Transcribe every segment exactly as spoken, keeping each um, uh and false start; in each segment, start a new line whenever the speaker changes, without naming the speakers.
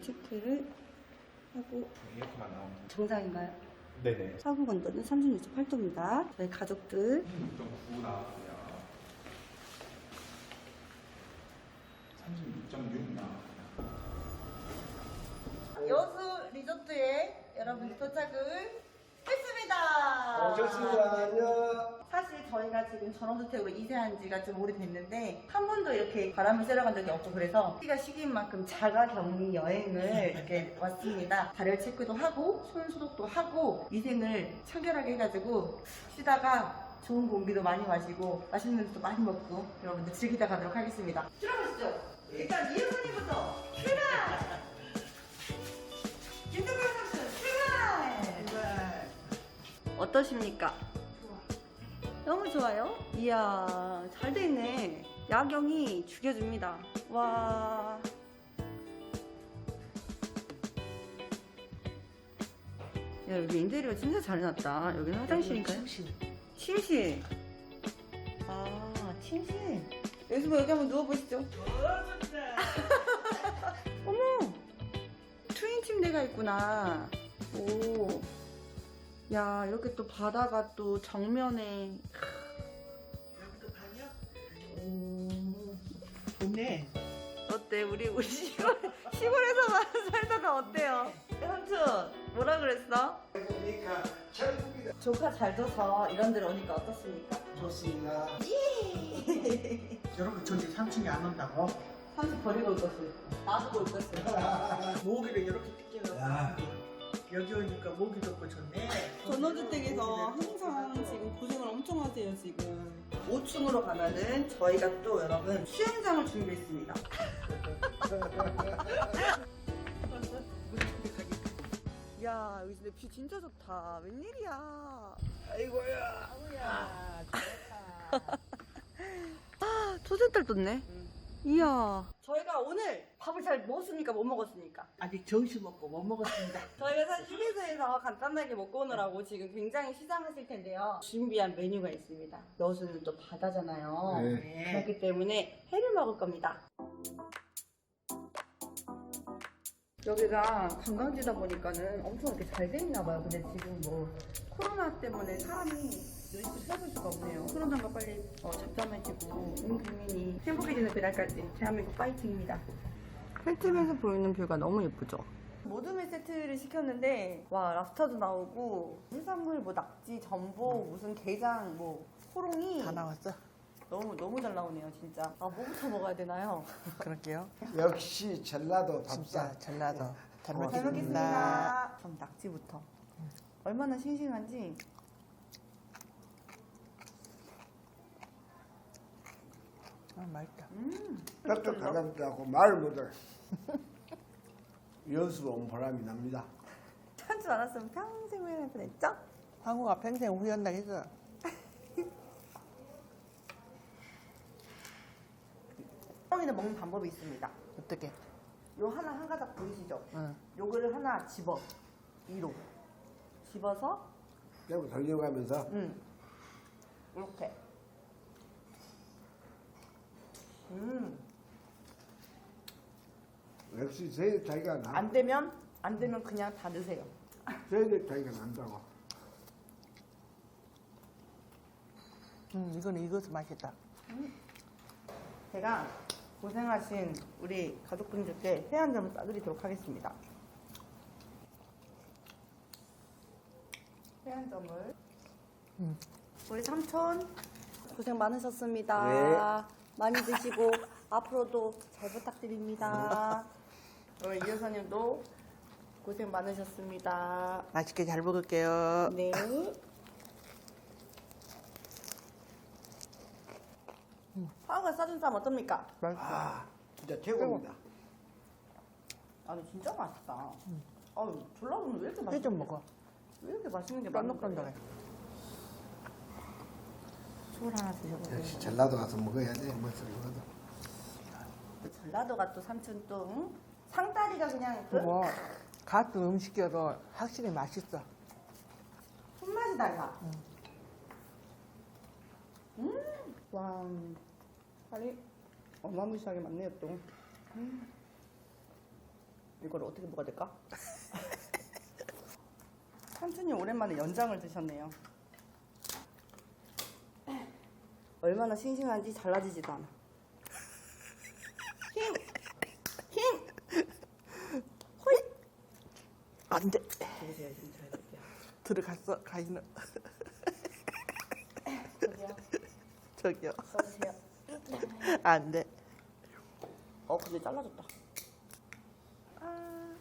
체크를 하고
이렇게만 나오면
정상인가요?
네네.
사분 건도는 삼십육 점 팔 도입니다. 저희 가족들
삼십육 점 구 나왔고요. 삼십육 점 육 나왔고요.
여수 리조트에 여러분 도착을 했습니다.
오셨습니다. 안녕.
사실 저희가 지금 전원주택으로 이사한 지가 좀 오래됐는데 한 번도 이렇게 바람을 쐬러 간 적이 없고 그래서 시기가 시기인 만큼 자가 격리 여행을 이렇게 왔습니다. 발열 체크도 하고 손 소독도 하고 위생을 청결하게 해가지고 쉬다가 좋은 공기도 많이 마시고 맛있는 것도 많이 먹고 여러분들 즐기다 가도록 하겠습니다. 들어가시죠. 일단 이효선님부터 출발! 김동현 선수 출발! 어떠십니까? 너무 좋아요? 이야, 잘 돼 있네. 야경이 죽여줍니다. 와. 야, 여기 인테리어 진짜 잘 해놨다. 여기는 화장실인가요? 침실. 침실. 아, 침실. 여기서 뭐 여기 한번 누워보시죠. 어머! 트윈 침대가 있구나. 오. 야, 이렇게 또 바다가 또 정면에.
여기도 방이야?
오.
좋네.
어때? 우리, 우리 시골, 시골에서만 살다가 어때요? 삼촌, 뭐라 그랬어?
그러니까 천국이다.
조카 잘 둬서 이런 데로 오니까 어떻습니까?
좋습니다.
예!
여러분 저기 삼촌이 안 온다고?
삼촌 버리고 올 것을. 놔두고 올 것을.
모기를 이렇게 뜯겨서
야.
여기 오니까 모기도 없고 좋네.
전원주택에서 항상 지금 고생을 엄청 하세요, 지금. 오 층으로 가면은 저희가 또 여러분 수영장을 준비했습니다. 야, 여기 근데 뷰 진짜 좋다. 웬일이야.
아이고야.
아우야 좋다.
아, 초센달 떴네. 이야. 저희가 오늘 밥을 잘 먹었습니까? 못 먹었습니까?
아직 점심 먹고 못 먹었습니다.
저희가 사실 휴게소에서 간단하게 먹고 오느라고 지금 굉장히 시장하실 텐데요. 준비한 메뉴가 있습니다. 여수는 또 바다잖아요.
네.
그렇기 때문에 회를 먹을 겁니다. 여기가 관광지다 보니까는 엄청 이렇게 잘 돼 있나 봐요. 근데 지금 뭐 코로나 때문에 사람이 여기서 찾을 수가 없네요. 코로나가 빨리 어, 잠잠해지고 온 국민이 행복해지는 그날까지 대한민국 파이팅입니다. 펜트에서 보이는 뷰가 너무 예쁘죠? 모둠회 세트를 시켰는데 와, 랍스타도 나오고 해산물 뭐 낙지, 전복, 무슨 게장, 뭐 호롱이
다 나왔어?
너무 너무 잘 나오네요, 진짜. 아, 뭐부터 먹어야 되나요?
그럴게요.
역시 전라도 밥상.
진짜 전라도. 잘
어,
잘
먹겠습니다.
먹겠습니다. 그럼 낙지부터. 얼마나 싱싱한지.
아 맛있다.
음.
뼈도 가깝다고 말 못해. 여수 온 보람이 납니다.
참지 않았으면 평생 후회할 뻔했죠?
황후가 평생 후회한다 했어.
호롱이는 먹는 방법이 있습니다.
어떻게?
요 하나 한 가닥 보이시죠?
응.
요거를 하나 집어. 위로. 집어서
그리고 돌려가면서
음. 이렇게. 음.
역시 제 차이가 나.
안 되면 안 되면 그냥 다 넣으세요.
제 차이가 난다고.
음 이거는 익어서 맛있다.
제가 고생하신 우리 가족분들께 회 한 점을 싸드리도록 하겠습니다. 회 한 점을.
음.
우리 삼촌 고생 많으셨습니다.
네.
많이 드시고 앞으로도 잘 부탁드립니다. 우리 이효사님도 고생 많으셨습니다.
맛있게 잘 먹을게요.
네. 파우가 싸준 쌈 어떻습니까?
맛있어.
아, 진짜 최고입니다.
아니 진짜 맛있다. 아유, 전라도는 왜 이렇게
회
맛있어?
좀 먹어.
왜 이렇게 맛있는 게 많은
쫀득쫀득해.
술 하나 드셔보세요.
역시 전라도 가서 먹어야 돼. 무엇을 먹어도.
전라도가 또 삼촌 또 응? 상다리가 그냥 그
그거 같은 음식이어도 확실히 맛있어.
손맛이 달라. 음, 와, 살이 어마무시하게 많네요 또. 음. 이걸 어떻게 먹어야 될까? 삼촌님 오랜만에 연장을 드셨네요. 얼마나 싱싱한지 잘라지지도 않아. 힘! 힘! 호잇!
안 돼.
보세요, 지금 잘 볼게요.
들어갔어, 가위는.
저기요.
저기요.
써주세요.
안 돼.
어, 근데 잘라졌다. 아.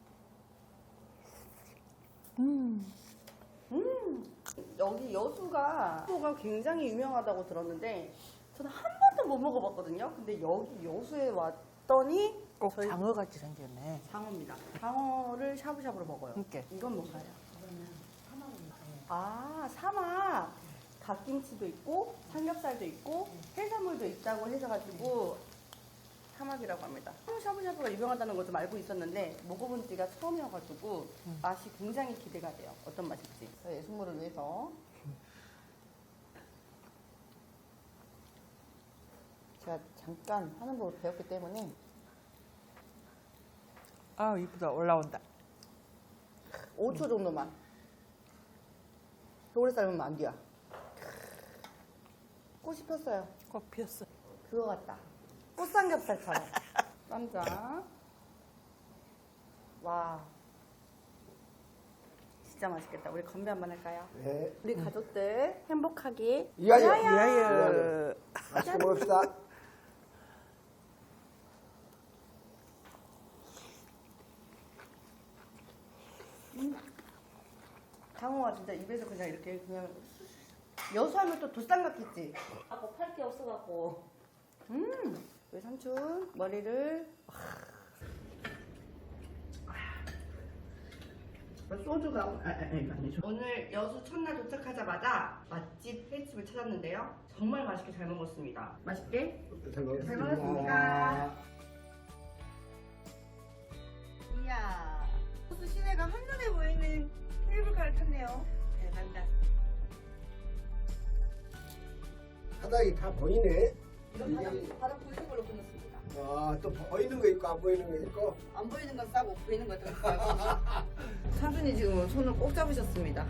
음.
음. 여기 여수가 여수가 굉장히 유명하다고 들었는데 저는 한 번도 못 먹어봤거든요. 근데 여기 여수에 왔더니
꼭
저희
장어같이 생겼네.
장어입니다. 장어를 샤브샤브로 먹어요.
이렇게.
이건 뭔가요? 아, 사막. 갓김치도 있고 삼겹살도 있고 해산물도 있다고 해서가지고 사막이라고 합니다. 샤브샤브가 유명하다는 거 좀 알고 있었는데 먹어본 지가 처음이어가지고
음.
맛이 굉장히 기대가 돼요. 어떤 맛일지. 저희 예술물을 위해서 제가 잠깐 하는 법을 배웠기 때문에
아, 이쁘다. 올라온다.
오 초 정도만. 오래 삶으면 안 돼요. 꽃이 폈어요.
꽃 피었어.
그거 같다. 꽃삼겹살처럼. 쌈장. 와. 진짜 맛있겠다. 우리 건배 한번 할까요?
네.
우리 가족들 행복하게.
이하여.
위하여.
맛있게 먹읍시다.
장어가 진짜 입에서 그냥 이렇게 그냥 여수하면 또 도쌈 같겠지?
하고 팔 게 없어갖고
음. 우리 삼촌 머리를 소주가 아, 아니, 아니죠. 오늘 여수 첫날 도착하자마자 맛집 횟집을 찾았는데요. 정말 맛있게 잘 먹었습니다. 맛있게
잘 먹었습니다.
잘 먹었습니다. 이야, 여수 시내가 한눈에 보이는 케이블카를 탔네요. 대단다.
바닥이 다 보이네.
이거 바닥, 바닥 보이는 걸로 끊었습니다.
아, 또 보이는 거 있고 안 보이는 거 있고.
안 보이는 건 싸고 보이는 건 좀 싸고. 삼촌이 지금 손을 꼭 잡으셨습니다.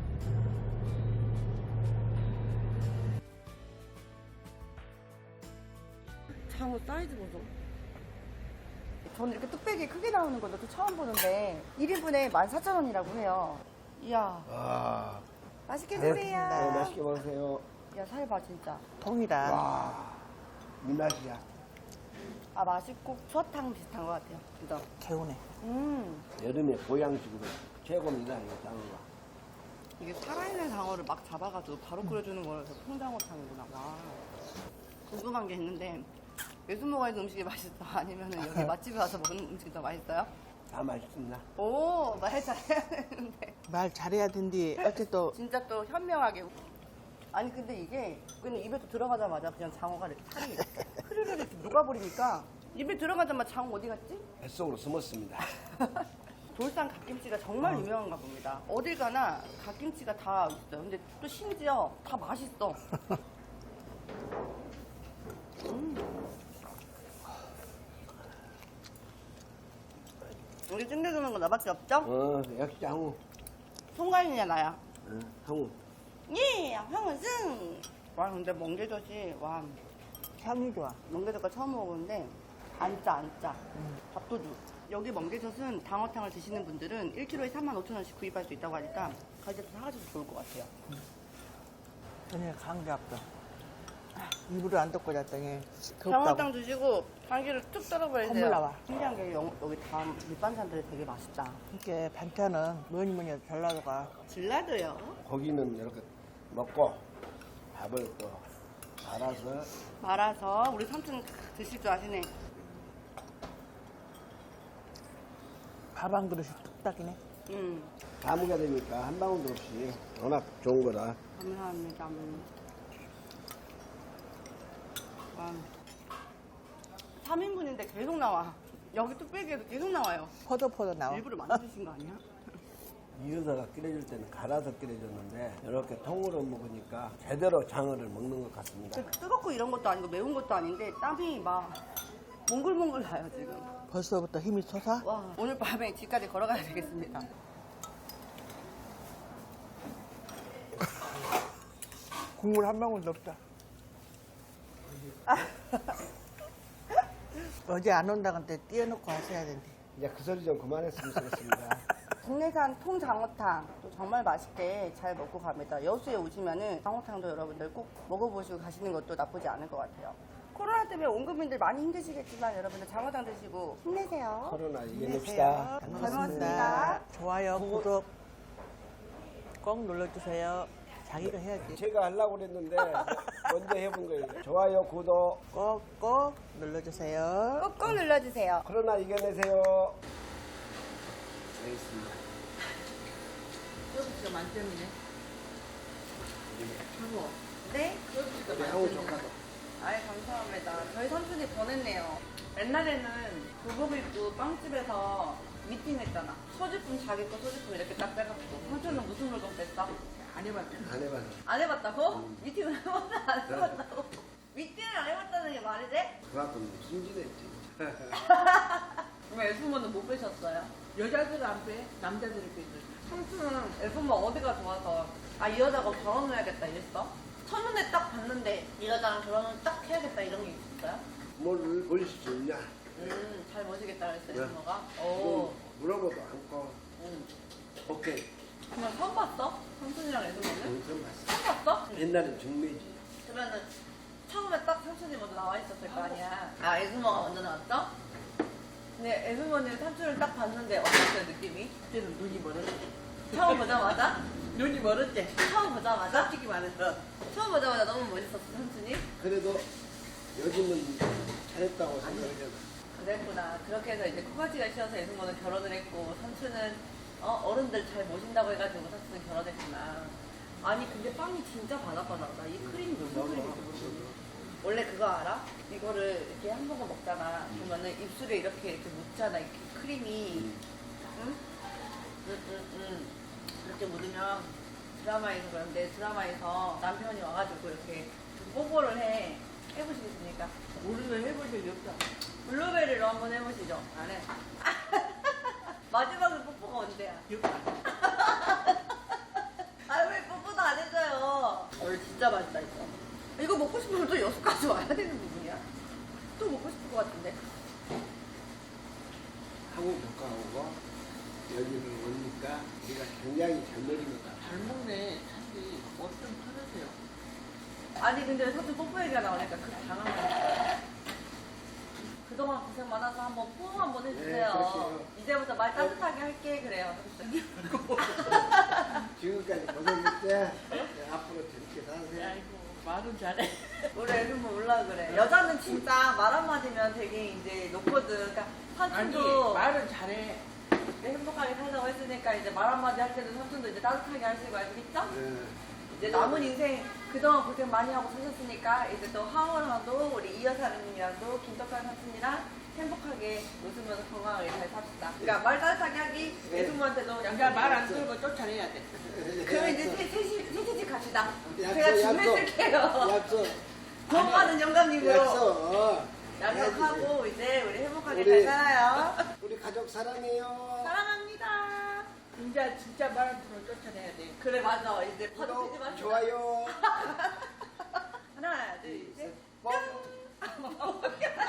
장어 사이즈 보소. 저는 이렇게 뚝배기 크게 나오는 것도 처음 보는데 일 인분에 만 사천 원이라고 해요. 이야,
아,
맛있게
네,
드세요.
맛있게 먹으세요.
야, 살 봐 진짜.
통이랑.
와, 이 맛이야.
아, 맛있고 추어탕 비슷한 것 같아요. 그죠?
개운해.
음.
여름에 보양식으로 최고입니다, 이 장어가.
이게 살아있는 장어를 막 잡아가지고 바로 끓여주는 거라서 통장어탕이구나. 와. 궁금한 게 있는데 외수 먹어야 는 음식이 맛있어? 아니면 여기 맛집에 와서 먹는 음식이 더 맛있어요?
다 맛있습니다.
오, 말 잘해야 되는데.
말 잘해야 된디. 어쨌든
진짜 또 현명하게. 아니 근데 이게 그냥 입에 또 들어가자마자 그냥 장어가 이렇게 살이 흐르르 이렇게 녹아버리니까 입에 들어가자마자 장어 어디 갔지?
뱃속으로 숨었습니다.
돌산 갓김치가 정말 유명한가 봅니다. 어딜 가나 갓김치가 다 있어요. 근데 또 심지어 다 맛있어. 음. 우리 챙겨주는 거 나밖에 없죠?
어, 역시 장어.
송가인이냐 나야?
어, 장어.
예, 형은 승! 와 근데 멍게젓이 와
향이 좋아.
멍게젓과 처음 먹어보는데 안 짜, 안 짜. 밥도둑. 여기 멍게젓은 방어탕을 드시는 분들은 일 킬로그램에 삼만 오천 원씩 구입할 수 있다고 하니까 가격도 사가셔도 좋을 것 같아요.
전에 감기 왔어. 이불을 안 덮고 잤더니
방어탕
덥다고.
드시고 감기를 툭 떨어버리세요.
콧물 나와.
신기한 게 영- 여기 다 밑반찬들이 되게 맛있다.
이렇게 반찬은 뭐니 뭐니 해도 전라도가
전라도요?
고기는 이렇게 먹고 밥을 또 말아서
말아서 우리 삼촌 드실 줄 아시네.
밥 한 그릇이 뚝딱이네.
음,
가무가 되니까 한 방울도 없이 워낙 좋은 거다.
감사합니다. 음. 와. 삼 인분인데 계속 나와. 여기 뚝배기에도 계속 나와요.
포도포도 나와.
일부러 만드신 거 아니야?
이어서가 끓여줄 때는 갈아서 끓여줬는데 이렇게 통으로 먹으니까 제대로 장어를 먹는 것 같습니다.
그 뜨겁고 이런 것도 아니고 매운 것도 아닌데 땀이 막 몽글몽글 나요 지금.
벌써부터 힘이 솟아?
와 오늘 밤에 집까지 걸어가야 되겠습니다.
국물 한 방울도 없다. 어제 안 온다고 한테 띄워놓고 하셔야 된대.
이제 그 소리 좀 그만했으면 좋겠습니다.
국내산 통장어탕 또 정말 맛있게 잘 먹고 갑니다. 여수에 오시면은 장어탕도 여러분들 꼭 먹어보시고 가시는 것도 나쁘지 않을 것 같아요. 코로나 때문에 온 국민들 많이 힘드시겠지만 여러분들 장어탕 드시고 힘내세요.
코로나 이겨냅시다.
잘 먹었습니다.
좋아요, 구독 꼭 눌러주세요. 자기가 해야지.
제가 하려고 그랬는데 먼저 해본 거예요. 좋아요, 구독.
꼭꼭 눌러주세요.
꾹꾹 눌러주세요.
코로나 이겨내세요. 알겠습니다.
소스가 만점이네. 장어. 네? 소스가
매우
만점이네.
좋아도.
아이 감사합니다. 저희 삼촌이 보냈네요. 옛날에는 교복 입고 빵집에서 미팅했잖아. 소지품 자기 거 소지품 이렇게 딱 빼갖고. 삼촌은 무슨 물건 뺐어? 안 해봤죠.
안 해봤어.
안 해봤다고? 미팅을 해봤나 안 해봤다고? 미팅을 안 해봤다는 게 말이 돼?
그만큼 순진했지.
왜 에프모는 못 빼셨어요?
여자들 안 빼, 남자들이 빼지.
삼촌은 에프모 어디가 좋아서 아 이 여자가 결혼을 해야겠다 이랬어? 첫눈에 딱 봤는데 이 여자랑 결혼을 딱 해야겠다 이런 게 있었어요?
뭘 올릴 수 있냐?
음, 잘 모시겠다 그랬어요,
네.
에프모가? 오.
뭐 물어보도 않고.
음.
오케이.
그냥 처음 봤어? 삼촌이랑 에프모는?
동선 봤어.
처음 봤어?
옛날엔 중매지.
그러면은 처음에 딱 삼촌이 먼저 나와 있었을 거 아니야. 아, 에스모가 먼저 나왔어? 근데 에스모는 삼촌을 딱 봤는데 어땠어요, 느낌이?
그때는 눈이 멀었지.
처음 보자마자?
눈이 멀었지.
처음 보자마자?
솔직히 말해서.
처음 보자마자 너무 멋있었어, 삼촌이?
그래도 요즘은 잘했다고 생각해요.
그랬구나. 그렇게 해서 이제 코가지가 씌어서 에스모는 결혼을 했고, 삼촌은 어, 어른들 잘 모신다고 해가지고 삼촌은 결혼했구나. 아니, 근데 빵이 진짜 바삭바삭하다. 이 크림이 무슨 크림이지? 원래 그거 알아? 이거를 이렇게 한 모금 먹잖아. 그러면은 입술에 이렇게 이렇게 묻잖아. 이렇게 크림이. 응? 응, 응, 응. 이렇게 묻으면 드라마에서 그런데 드라마에서 남편이 와가지고 이렇게 뽀뽀를 해. 해보시겠습니까?
우리는 해본 적이 없다.
블루베리로 한번 해보시죠. 안 해. 마지막에 뽀뽀가 언제야? 아, 왜 뽀뽀도 안 해줘요? 오늘 진짜 맛있다, 이거. 이거 먹고 싶으면 또 여수까지 와야 되는 부분이야? 또 먹고 싶을 것 같은데.
한국 교과하고 여기는 오니까 우리가 굉장히 잘 먹입니다.
잘 먹네. 사실 뭐좀 팔으세요.
아니, 근데 삼촌 뽀뽀 얘기가 나오니까 그 당한 거니까. 그동안 고생 많아서 한번 포옹 한번 해주세요.
네, 그렇죠.
이제부터 말 따뜻하게 할게, 그래요.
지금까지 고생했대. 앞으로 재밌게 사세요.
아이고, 말은 잘해.
우리 애들은 몰라 그래. 여자는 진짜 말 한마디면 되게 이제 높거든. 그러니까
아니,
삼촌도
말은 잘해.
행복하게 살자고 했으니까 이제 말 한마디 할 때도 삼촌도 이제 따뜻하게 하시고 아시겠죠?
네.
이제 남은 인생 그동안 고생 많이 하고 사셨으니까 이제 또 하원하도 우리 이여사님이랑도 김떡한 삼촌이랑 행복하게 웃으면서 건강하게 잘 삽시다. 그러니까 말 따뜻하게 하기 애부모한테도
남자 말 안 들고 쫓아내야 돼.
그럼 이제 셋- 셋이 셋이 집 갑시다.
약속,
제가
약속.
준비했을게요.
약속.
돈 많은 영감님으로
약속. 어.
약속하고 이제 우리 행복하게
우리-
잘 살아요.
우리 가족 사랑해요.
사랑합니다.
진짜 진짜 말 안 들고 쫓아내야 돼.
그래 맞아. 이제 파도
구독,
치지 마시고.
좋아요.
하나 둘 셋.
뻥.